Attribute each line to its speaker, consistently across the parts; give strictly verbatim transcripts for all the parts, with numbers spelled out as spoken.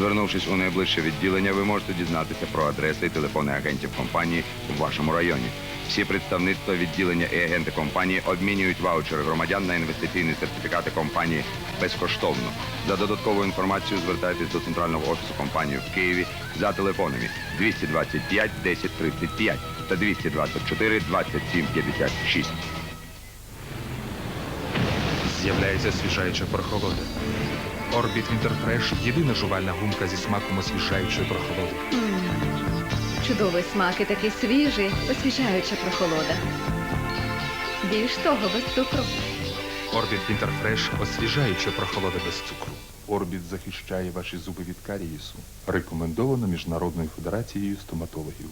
Speaker 1: Звернувшись у найближче відділення, ви можете дізнатися про адреси і телефони агентів компанії в вашому районі. Всі представництва, відділення і агенти компанії обмінюють ваучери громадян на інвестиційні сертифікати компанії безкоштовно. За додатковою інформацією звертайтесь до центрального офісу компанії в Києві за телефонами двісті двадцять п'ять десять тридцять п'ять та двісті двадцять чотири двадцять сім п'ятдесят шість.
Speaker 2: З'являється освіжаюча прохолода. Орбіт Вінтерфреш – єдина жувальна гумка зі смаком освіжаючої прохолоди.
Speaker 3: Чудовий смак і такий свіжий, освіжаюча прохолода. Більш того, без цукру.
Speaker 2: Орбіт Вінтерфреш – освіжаюча прохолода без цукру.
Speaker 4: Орбіт захищає ваші зуби від карієсу. Рекомендовано Міжнародною федерацією стоматологів.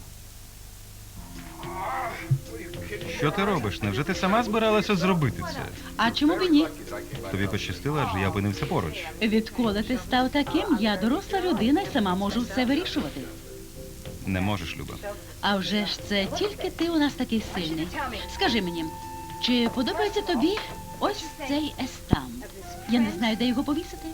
Speaker 5: Що ти робиш? Невже ти сама збиралася зробити це?
Speaker 6: А чому б і ні?
Speaker 5: Тобі пощастило, адже я опинився поруч.
Speaker 6: Відколи ти став таким, я доросла людина і сама можу все вирішувати.
Speaker 5: Не можеш, Люба.
Speaker 6: А вже ж це тільки ти у нас такий сильний. Скажи мені, чи подобається тобі ось цей естам? Я не знаю, де його повісити.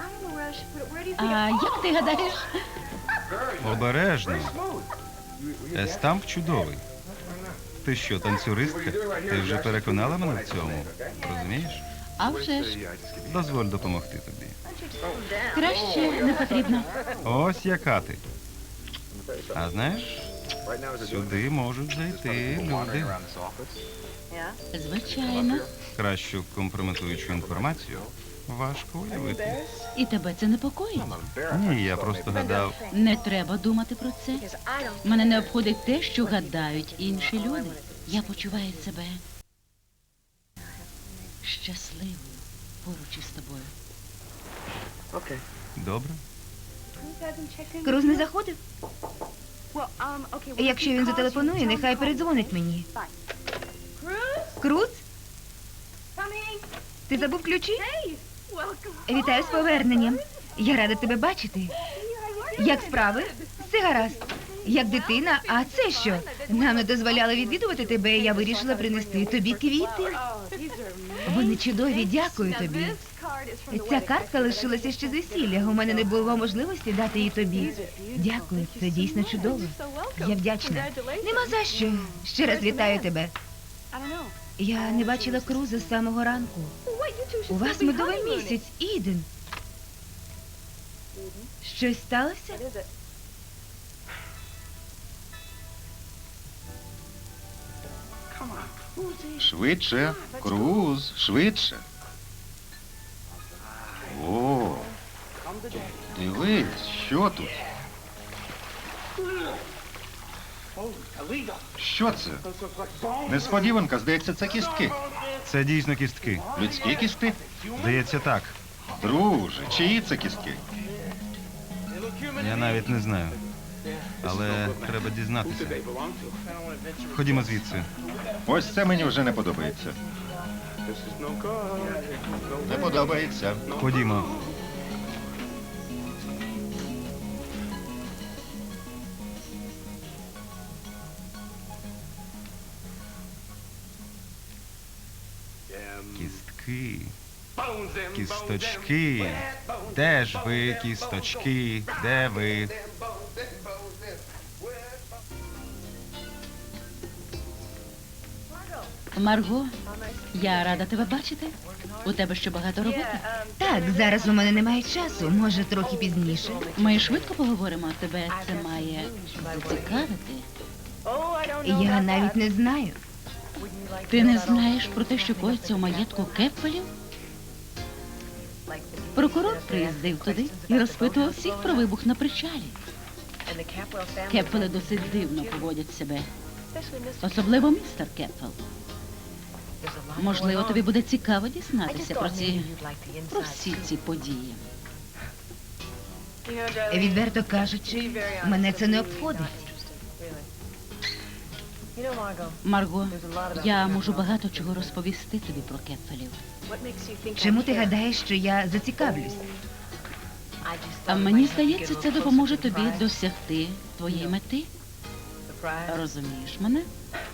Speaker 6: А як ти гадаєш?
Speaker 5: Обережно. Естамп чудовий. Ти що, танцюристка? Ти вже переконала мене в цьому. Розумієш?
Speaker 6: А вже ж.
Speaker 5: Дозволь допомогти тобі.
Speaker 6: Краще не потрібно.
Speaker 5: Ось яка ти. А знаєш, сюди можуть зайти люди.
Speaker 6: Звичайно.
Speaker 5: Кращу компрометуючу інформацію важко уявити.
Speaker 6: І тебе це непокоїть?
Speaker 5: Ні, я просто гадав.
Speaker 6: Не треба думати про це. Мене не обходить те, що гадають інші люди. Я почуваю себе щасливою поруч із тобою.
Speaker 5: Добре.
Speaker 7: Круз не заходив? Якщо він зателефонує, нехай передзвонить мені. Круз? Ти забув ключі? Вітаю з поверненням. Я рада тебе бачити. Як справи? Все гаразд. Як дитина, а це що? Нам не дозволяли відвідувати тебе, і я вирішила принести тобі квіти. Вони чудові, дякую тобі. Ця картка лишилася ще з весілля. У мене не було можливості дати її тобі. Дякую, це дійсно чудово. Я вдячна. Нема за що. Ще раз вітаю тебе. Я не бачила Круза з самого ранку. У вас медовий місяць, Іден. Щось сталося?
Speaker 8: Швидше, Круз, швидше. О, дивись, що тут? Що це? Несподіванка, здається, це кістки.
Speaker 5: Це дійсно кістки.
Speaker 8: Людські кістки?
Speaker 5: Здається, так.
Speaker 8: Друже, чиї це кістки?
Speaker 5: Я навіть не знаю. Але треба дізнатися. Ходімо звідси.
Speaker 8: Ось це мені вже не подобається. Не подобається.
Speaker 5: Ходімо. Кістки. Кісточки. Де ж ви, кісточки? Де ви?
Speaker 6: Марго, я рада тебе бачити. У тебе ще багато роботи.
Speaker 7: Так, зараз у мене немає часу. Може, трохи пізніше.
Speaker 6: Ми швидко поговоримо, тебе це має зацікавити.
Speaker 7: Я навіть не знаю.
Speaker 6: Ти не знаєш про те, що коїться у маєтку Кеппелів? Прокурор приїздив туди і розпитував всіх про вибух на причалі. Кеппели досить дивно поводять себе. Особливо містер Кеппел. Можливо, тобі буде цікаво дізнатися про ці, про всі ці події.
Speaker 7: Відверто кажучи, мене це не обходить.
Speaker 6: Марго, я можу багато чого розповісти тобі про Кеппелів.
Speaker 7: Чому ти гадаєш, що я зацікавлюсь?
Speaker 6: А мені здається, це допоможе тобі досягти твоєї мети. Розумієш мене?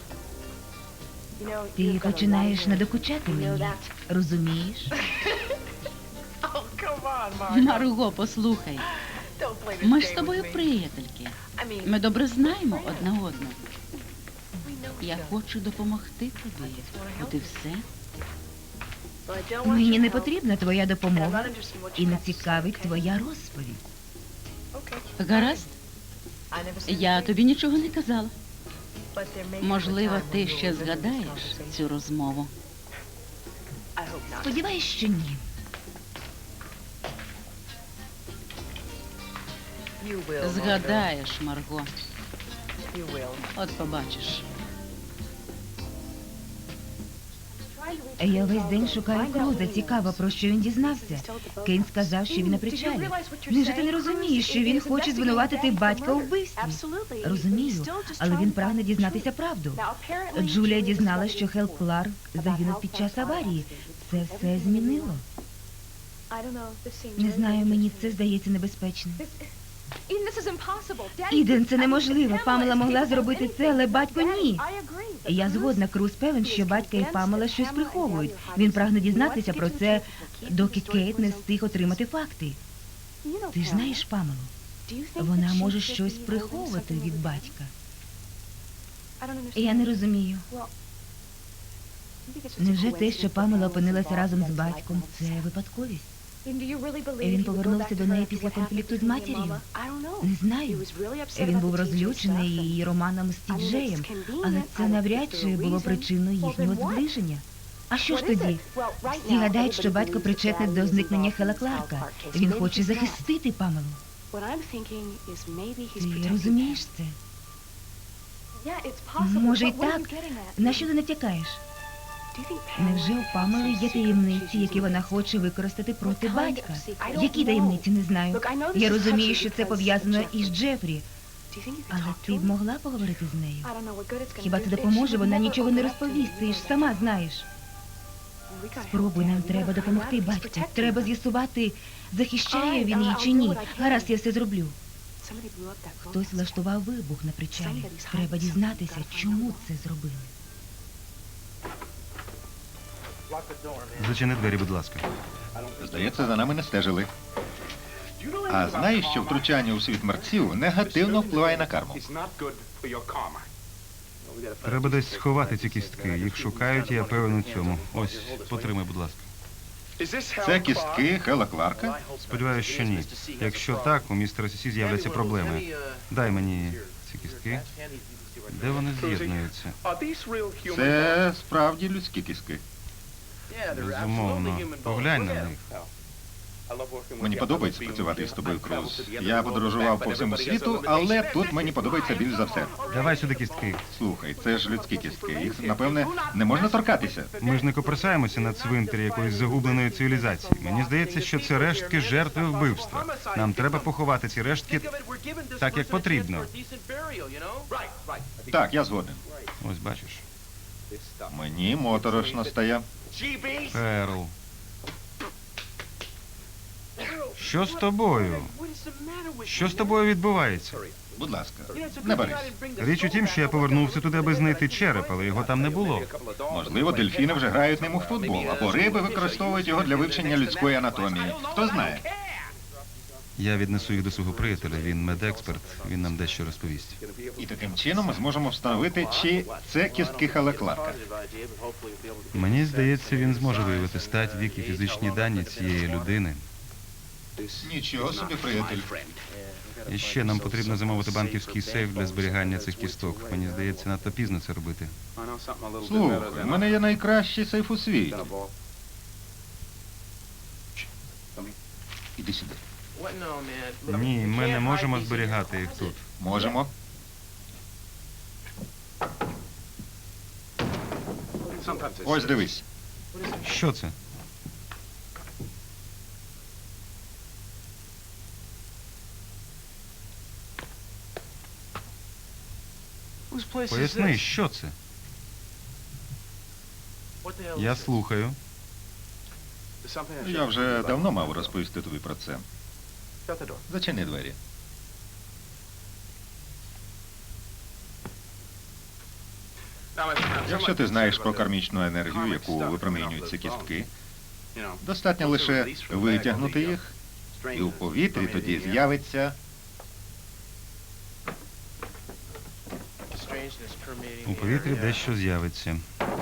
Speaker 7: Ти починаєш надокучати мені, розумієш?
Speaker 6: Марго, послухай. Ми ж з тобою приятельки. Ми добре знаємо одна одну. Я хочу допомогти тобі. От і все.
Speaker 7: Мені не потрібна твоя допомога і не цікавить твоя розповідь.
Speaker 6: Гаразд? Я тобі нічого не казала. Можливо, ти ще згадаєш цю розмову.
Speaker 7: Сподіваюсь, що ні.
Speaker 6: Згадаєш, Марго. От побачиш.
Speaker 7: Я весь день шукаю Круза. Цікаво, про що він дізнався. Кейн сказав, що він на причалі. Невже ти не розумієш, що він хоче звинуватити батька у вбивстві? Розумію, але він прагне дізнатися правду. Джулія дізналась, що Хел Кларк загинув під час аварії. Це все змінило. Не знаю, мені це здається небезпечним. Іден, це неможливо. Памела могла зробити це, але батько ні. Я згодна, Круз певен, що батька і Памела щось приховують. Він прагне дізнатися про це, доки Кейт не встиг отримати факти. Ти ж знаєш Памелу? Вона може щось приховувати від батька. Я не розумію. Невже те, що Памела опинилася разом з батьком, це випадковість? Він повернувся до неї після конфлікту з матір'ю? Не знаю. Він був розлючений її романом з Тіджеєм, але це навряд чи було причиною їхнього зближення. А що ж тоді? Всі гадають, що батько причетний до зникнення Хела Кларка. Він хоче захистити Памелу. Ти розумієш це? Може й так. На що ти натякаєш? Невже у Памели є таємниці, які вона хоче використати проти батька? Які таємниці, не знаю. Я розумію, що це пов'язано із Джефрі. Але ти б могла поговорити з нею? Хіба це допоможе? Вона нічого не розповість, ти ж сама знаєш. Спробуй, нам треба допомогти батьку. Треба з'ясувати, захищає він її чи ні. Гаразд, я все зроблю. Хтось влаштував вибух на причалі. Треба дізнатися, чому це зробили.
Speaker 5: Зачини двері, будь ласка.
Speaker 8: Здається, за нами не стежили. А знаєш, що втручання у світ мерців негативно впливає на карму?
Speaker 5: Треба десь сховати ці кістки. Їх шукають, і я певен у цьому. Ось, потримай, будь ласка.
Speaker 8: Це кістки Хела Кларка?
Speaker 5: Сподіваюсь, що ні. Якщо так, у містера Сісі з'являться проблеми. Дай мені ці кістки. Де вони з'єднуються?
Speaker 8: Це справді людські кістки.
Speaker 5: Безумовно. Поглянь на них.
Speaker 8: Мені подобається працювати із тобою, Круз. Я подорожував по всьому світу, але тут мені подобається більш за все.
Speaker 5: Давай сюди кістки.
Speaker 8: Слухай, це ж людські кістки. Їх, напевне, не можна торкатися.
Speaker 5: Ми ж не коперсаємося на цвинтарі якоїсь загубленої цивілізації. Мені здається, що це рештки жертви вбивства. Нам треба поховати ці рештки так, як потрібно.
Speaker 8: Так, я згоден.
Speaker 5: Ось бачиш.
Speaker 8: Мені моторошно стає.
Speaker 5: Перл. Що з тобою? Що з тобою відбувається?
Speaker 8: Будь ласка, не берись.
Speaker 5: Річ у тім, що я повернувся туди, аби знайти череп, але його там не було.
Speaker 8: Можливо, дельфіни вже грають ним у футбол, або риби використовують його для вивчення людської анатомії. Хто знає?
Speaker 5: Я віднесу їх до свого приятеля, він медексперт, він нам дещо розповість.
Speaker 8: І таким чином ми зможемо встановити, чи це кістки Хела Кларка.
Speaker 5: Мені здається, він зможе виявити стать, вік і фізичні дані цієї людини.
Speaker 8: Нічого собі, приятель.
Speaker 5: І ще нам потрібно замовити банківський сейф для зберігання цих кісток. Мені здається, надто пізно це робити.
Speaker 8: Слухай, в мене є найкращий сейф у світі. Іди сюди.
Speaker 5: Ні, ми не можемо зберігати їх тут.
Speaker 8: Можемо. Ось дивись.
Speaker 5: Що це? Поясни, що це? Я слухаю.
Speaker 8: Я вже давно мав розповісти тобі про це. Зачини двері. Якщо ти знаєш про кармічну енергію, яку випромінюють ці кістки, достатньо лише витягнути їх І у повітрі тоді з'явиться
Speaker 5: У повітрі дещо з'явиться.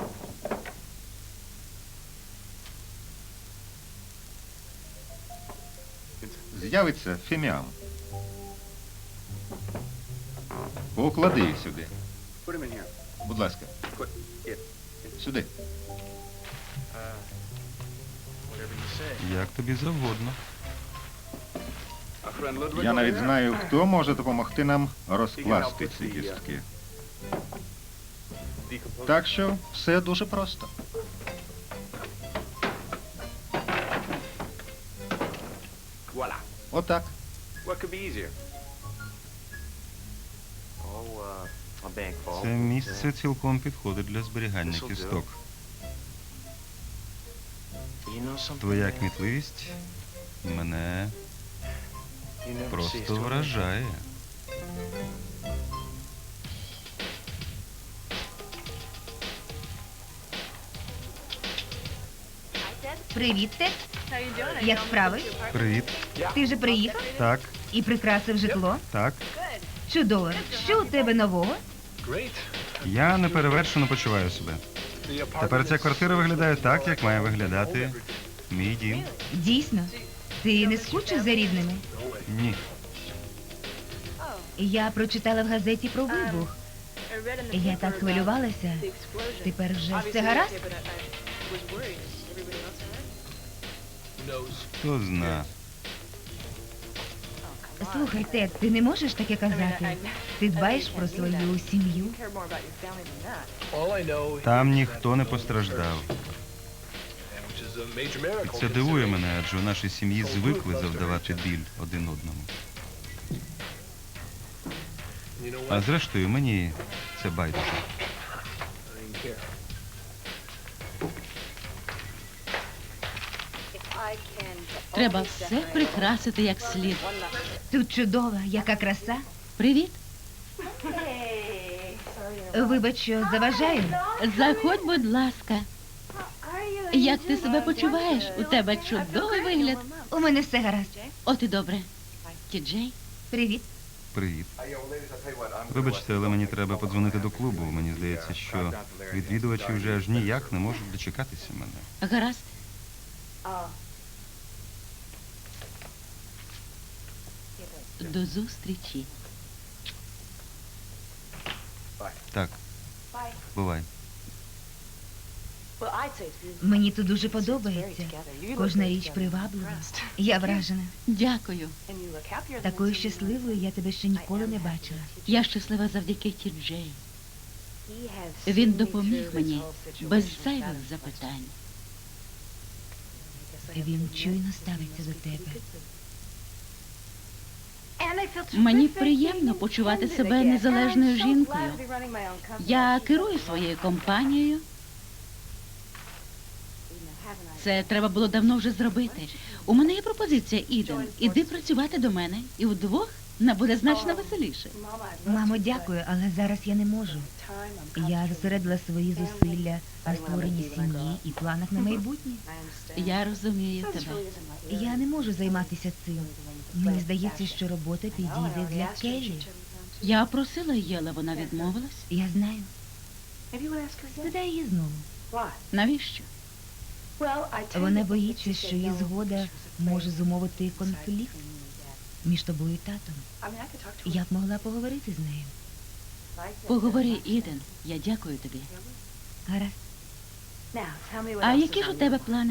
Speaker 8: з'явиться фіміам. Поклади їх сюди. Будь ласка. Сюди.
Speaker 5: Як тобі завгодно.
Speaker 8: Я навіть знаю, хто може допомогти нам розкласти ці кістки. Так що все дуже просто. Отак.
Speaker 5: Це місце цілком підходить для зберігання кісток. Твоя кмітливість мене просто вражає.
Speaker 7: Привіт, Тед. Як справи?
Speaker 5: Привіт.
Speaker 7: Ти вже приїхав
Speaker 5: Так,
Speaker 7: і прикрасив житло?
Speaker 5: так.
Speaker 7: Чудово. Що у тебе нового?
Speaker 5: Я неперевершено почуваю себе. Тепер ця квартира виглядає так, як має виглядати мій дім.
Speaker 7: Дійсно. Ти не скучив за рідними?
Speaker 5: Ні.
Speaker 7: Я прочитала в газеті про вибух. Я так хвилювалася. Тепер вже все гаразд?
Speaker 5: Хто зна.
Speaker 7: Слухай, Тед, ти не можеш таке казати. Ти дбаєш про свою сім'ю.
Speaker 5: Там ніхто не постраждав. І це дивує мене, адже у нашій сім'ї звикли завдавати біль один одному. А зрештою, мені це байдуже.
Speaker 6: Треба все прикрасити як слід.
Speaker 7: Тут чудова, яка краса.
Speaker 6: Привіт.
Speaker 7: Вибач, що заважаю.
Speaker 6: Заходь, будь ласка. Як ти себе почуваєш? У тебе чудовий вигляд.
Speaker 7: У мене все гаразд.
Speaker 6: От і добре. Ті-Джей,
Speaker 7: Привіт.
Speaker 5: Привіт. Вибачте, але мені треба подзвонити до клубу. Мені здається, що відвідувачі вже аж ніяк не можуть дочекатися мене.
Speaker 6: гаразд. До зустрічі.
Speaker 5: Так, бувай.
Speaker 7: Мені тут дуже подобається. Кожна річ приваблива. Я вражена.
Speaker 6: Дякую.
Speaker 7: Такою щасливою я тебе ще ніколи не бачила.
Speaker 6: Я щаслива завдяки Ті-Джей. Він допоміг мені без зайвих запитань.
Speaker 7: Він чуйно ставиться до тебе.
Speaker 6: Мені приємно почувати себе незалежною жінкою. Я керую своєю компанією. Це треба було давно вже зробити. У мене є пропозиція, Іден. Іди працювати до мене, і вдвох нам буде значно веселіше.
Speaker 7: Мамо, дякую, але зараз я не можу. Я зосередила свої зусилля на створенні сім'ї і планах на майбутнє.
Speaker 6: Я розумію тебе.
Speaker 7: Я не можу займатися цим. Мені здається, що робота підійде для Келлі.
Speaker 6: Я просила її, але вона відмовилась.
Speaker 7: Я знаю. Спитай її знову.
Speaker 6: Навіщо?
Speaker 7: Вона боїться, що її згода може зумовити конфлікт між тобою і татом. Я б могла поговорити з нею.
Speaker 6: Поговори, Іден. Я дякую тобі.
Speaker 7: Гаразд.
Speaker 6: А які ж у тебе плани?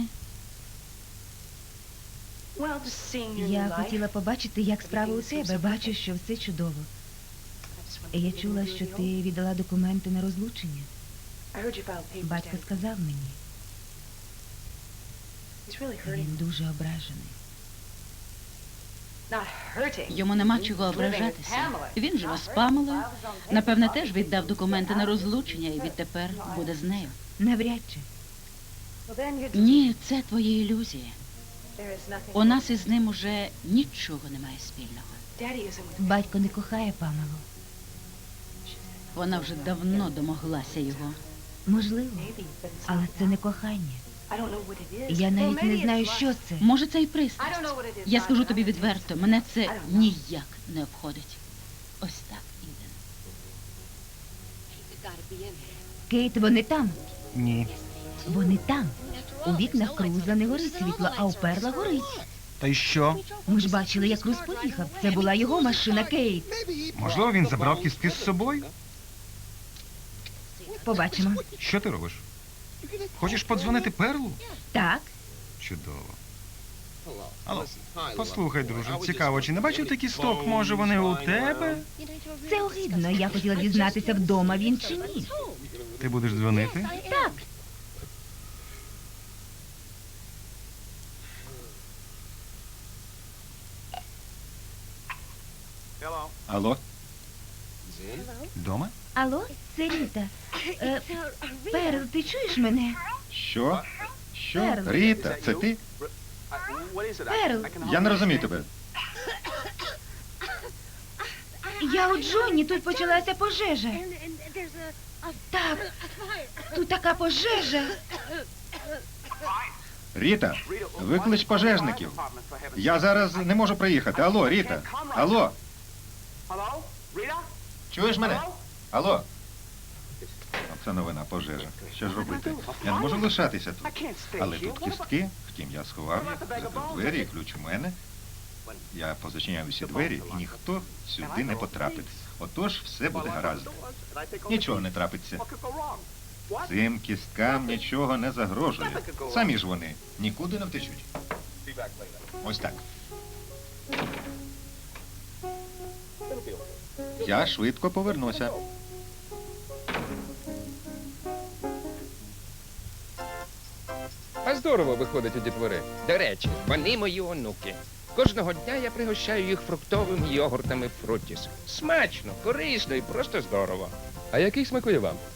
Speaker 7: Я хотіла побачити, як справи у тебе. Бачу, що все чудово. Я чула, що ти віддала документи на розлучення. Батько сказав мені. Він дуже ображений.
Speaker 6: Йому нема чого ображатися. Він живе з Памелою. Напевне, теж віддав документи на розлучення і відтепер буде з нею.
Speaker 7: Навряд чи.
Speaker 6: Ні, це твої ілюзії. У нас із ним уже нічого немає спільного.
Speaker 7: Батько не кохає Памелу.
Speaker 6: Вона вже давно домоглася його.
Speaker 7: Можливо, але це не кохання. Я навіть не знаю, що це.
Speaker 6: Може, це і пристрасть. Я скажу тобі відверто, мене це ніяк не обходить. Ось так, Іден.
Speaker 7: Кейт, вони там.
Speaker 5: Ні.
Speaker 7: Вони там. У вікнах Круза не горить світло, а у Перла горить.
Speaker 5: Та й що?
Speaker 7: Ми ж бачили, як Круз поїхав. Це була його машина, Кейт.
Speaker 5: Можливо, він забрав кістки з собою?
Speaker 7: Побачимо.
Speaker 5: Що ти робиш? Хочеш подзвонити Перлу?
Speaker 7: Так.
Speaker 5: Чудово. Алло, послухай, друже, цікаво, чи не бачив ти кісток? Може, вони у тебе?
Speaker 7: Це огидно. Я хотіла дізнатися, вдома він чи ні.
Speaker 5: Ти будеш дзвонити?
Speaker 7: Так.
Speaker 8: Алло?
Speaker 5: Дома?
Speaker 7: Алло, це Ріта. Е, Перл, ти чуєш мене?
Speaker 8: Що? Що?
Speaker 7: Перл.
Speaker 8: Ріта, це ти?
Speaker 7: Перл,
Speaker 8: Я не розумію тебе.
Speaker 7: я у Джонні, тут почалася пожежа. Так, тут така пожежа.
Speaker 8: Ріта, виклич пожежників. Я зараз не можу приїхати. Алло, Ріта. Алло. Чуєш мене? Алло. Оце новина, пожежа. Що ж робити? Я не можу лишатися тут. Але тут кістки, втім, я сховав їх, закрив двері і ключ у мене. Я позачиняю всі двері, і ніхто сюди не потрапить. Отож, все буде гаразд. Нічого не трапиться. Цим кісткам нічого не загрожує. Самі ж вони нікуди не втечуть. Ось так. Я швидко повернуся.
Speaker 9: А здорово виходить у дітвори. До речі, вони мої онуки. Кожного дня я пригощаю їх фруктовими йогуртами Фрутіс. Смачно, корисно і просто здорово.
Speaker 10: А який смакує вам?